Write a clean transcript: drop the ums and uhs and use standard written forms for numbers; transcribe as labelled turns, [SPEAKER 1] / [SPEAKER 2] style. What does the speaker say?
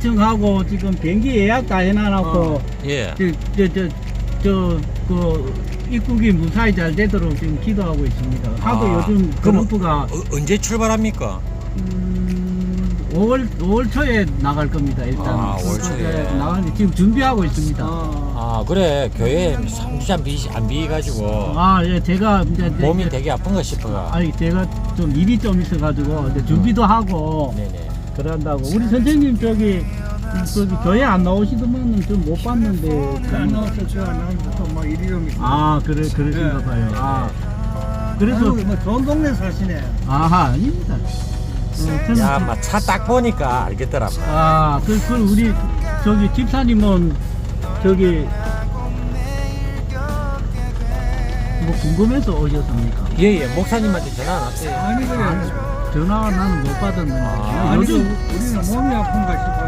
[SPEAKER 1] 시청하고 지금 비행기 예약 다 해놔놓고
[SPEAKER 2] 예.
[SPEAKER 1] 그 입국이 무사히 잘 되도록 지금 기도하고 있습니다. 하도
[SPEAKER 2] 아,
[SPEAKER 1] 요즘
[SPEAKER 2] 그럼
[SPEAKER 1] 트럼프가
[SPEAKER 2] 언제 출발합니까?
[SPEAKER 1] 5월 초에 나갈 겁니다. 일단
[SPEAKER 2] 아, 5월 초에.
[SPEAKER 1] 나가는데 지금 준비하고 있습니다.
[SPEAKER 2] 아, 그래. 교회 3주째 안 비가지고
[SPEAKER 1] 아, 예, 제가 이제
[SPEAKER 2] 몸이 되게 아픈가 싶어가.
[SPEAKER 1] 아니 제가 좀 일이 좀 있어가지고 이제 준비도 하고
[SPEAKER 2] 네네.
[SPEAKER 1] 그런다고. 우리 선생님 저기 교회 안 나오시더만은 좀 못 봤는데.
[SPEAKER 3] 안 나왔어. 제가 나부터 뭐 일이 좀 있어.
[SPEAKER 1] 아, 그러신가
[SPEAKER 3] 네.
[SPEAKER 1] 봐요. 아, 그래서
[SPEAKER 3] 아이고, 뭐 좋은 동네 사시네.
[SPEAKER 1] 아하, 아닙니다. 저는
[SPEAKER 2] 야, 막 차 딱 보니까 알겠더라.
[SPEAKER 1] 그 우리 저기 집사님은 저기 뭐 궁금해서 오셨습니까?
[SPEAKER 2] 예, 목사님한테 전화 안 왔어요.
[SPEAKER 3] 아니 그래.
[SPEAKER 1] 전화 나는 못 받았는데.
[SPEAKER 2] 아,
[SPEAKER 1] 요즘
[SPEAKER 3] 우리는 몸이 아픈가 싶어.